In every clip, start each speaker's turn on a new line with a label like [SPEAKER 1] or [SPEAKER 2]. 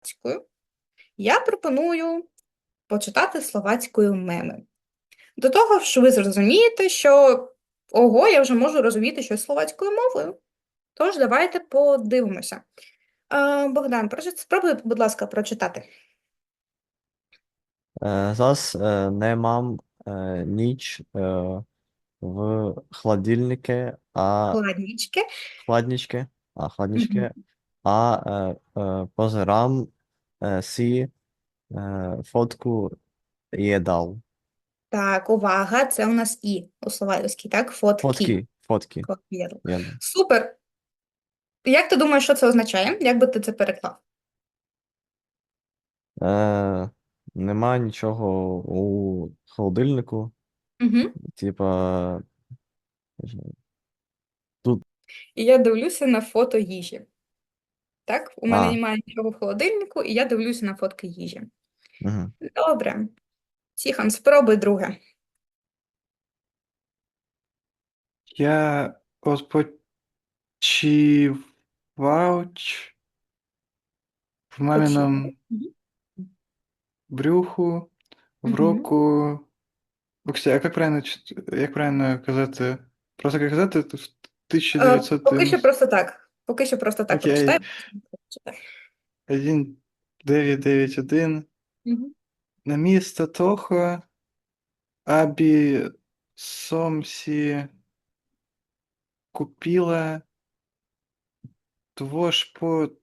[SPEAKER 1] словацькою, я пропоную почитати словацькою меми. До того ж, ви зрозумієте, що ого, я вже можу розуміти щось словацькою мовою. Тож, давайте подивимося. Богдан, спробуй, будь ласка, прочитати.
[SPEAKER 2] Зараз не мам ніч в холодильнике,
[SPEAKER 1] Хладнічки.
[SPEAKER 2] хладничке,
[SPEAKER 1] Мгм.
[SPEAKER 2] позирам сі фотку їдал.
[SPEAKER 1] Так, увага, це у нас і у словацькій, так? Фотки.
[SPEAKER 2] Фотки
[SPEAKER 1] Копіру.
[SPEAKER 2] їдал.
[SPEAKER 1] Супер. Як ти думаєш, що це означає? Як би ти це переклав?
[SPEAKER 2] Е, Нема нічого у холодильнику.
[SPEAKER 1] Угу.
[SPEAKER 2] Типа, не знаю, тут.
[SPEAKER 1] І я дивлюся на фото їжі. Так, у мене
[SPEAKER 2] А,
[SPEAKER 1] немає нічого в холодильнику, і я дивлюся на фотки їжі.
[SPEAKER 2] угу.
[SPEAKER 1] Добре. Тіхон, спробуй друге.
[SPEAKER 3] Я в
[SPEAKER 1] Почув.
[SPEAKER 3] маминому брюху в
[SPEAKER 1] Угу.
[SPEAKER 3] року. Кстати, як правильно казати? Просто як казати в
[SPEAKER 1] Поки що
[SPEAKER 3] 1990.
[SPEAKER 1] просто так. Поки що просто так прочитай.
[SPEAKER 3] Окей, 1991.
[SPEAKER 1] Угу.
[SPEAKER 3] На місто того, абі сомсі купила твошпотові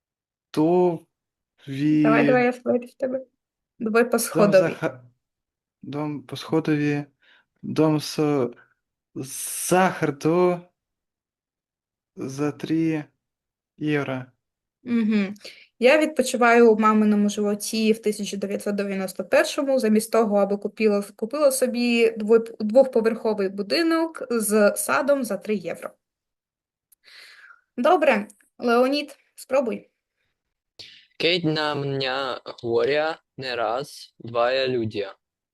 [SPEAKER 1] Давай, я вірю в тебе. Давай по
[SPEAKER 3] дом
[SPEAKER 1] сходовій.
[SPEAKER 3] дом по сходові, дом со Сахарду за 3 євро.
[SPEAKER 1] Угу. Я відпочиваю у маминому животі в 1991-му, замість того, аби купила собі двохповерховий будинок з садом за 3 євро. Добре, Леонід, спробуй.
[SPEAKER 4] Keď na mňa hovoria neraz dvaja ľudia.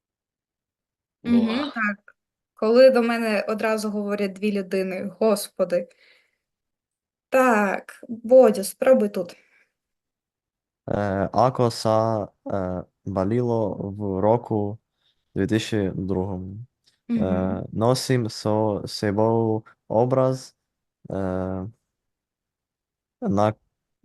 [SPEAKER 1] Угу,
[SPEAKER 4] Boha.
[SPEAKER 1] так. Коли до мене одразу говорять дві людини, господи. Так, Бодю, спробуй тут.
[SPEAKER 2] Ако са баліло в року 2002.
[SPEAKER 1] Угу.
[SPEAKER 2] Носим со собою образ е, на,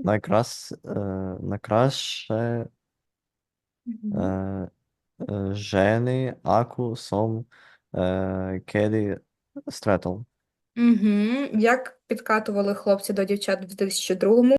[SPEAKER 2] накраше
[SPEAKER 1] Угу.
[SPEAKER 2] е, жени, аку сом кеді стретол.
[SPEAKER 1] Угу. Як підкатували хлопці до дівчат в 2002-му?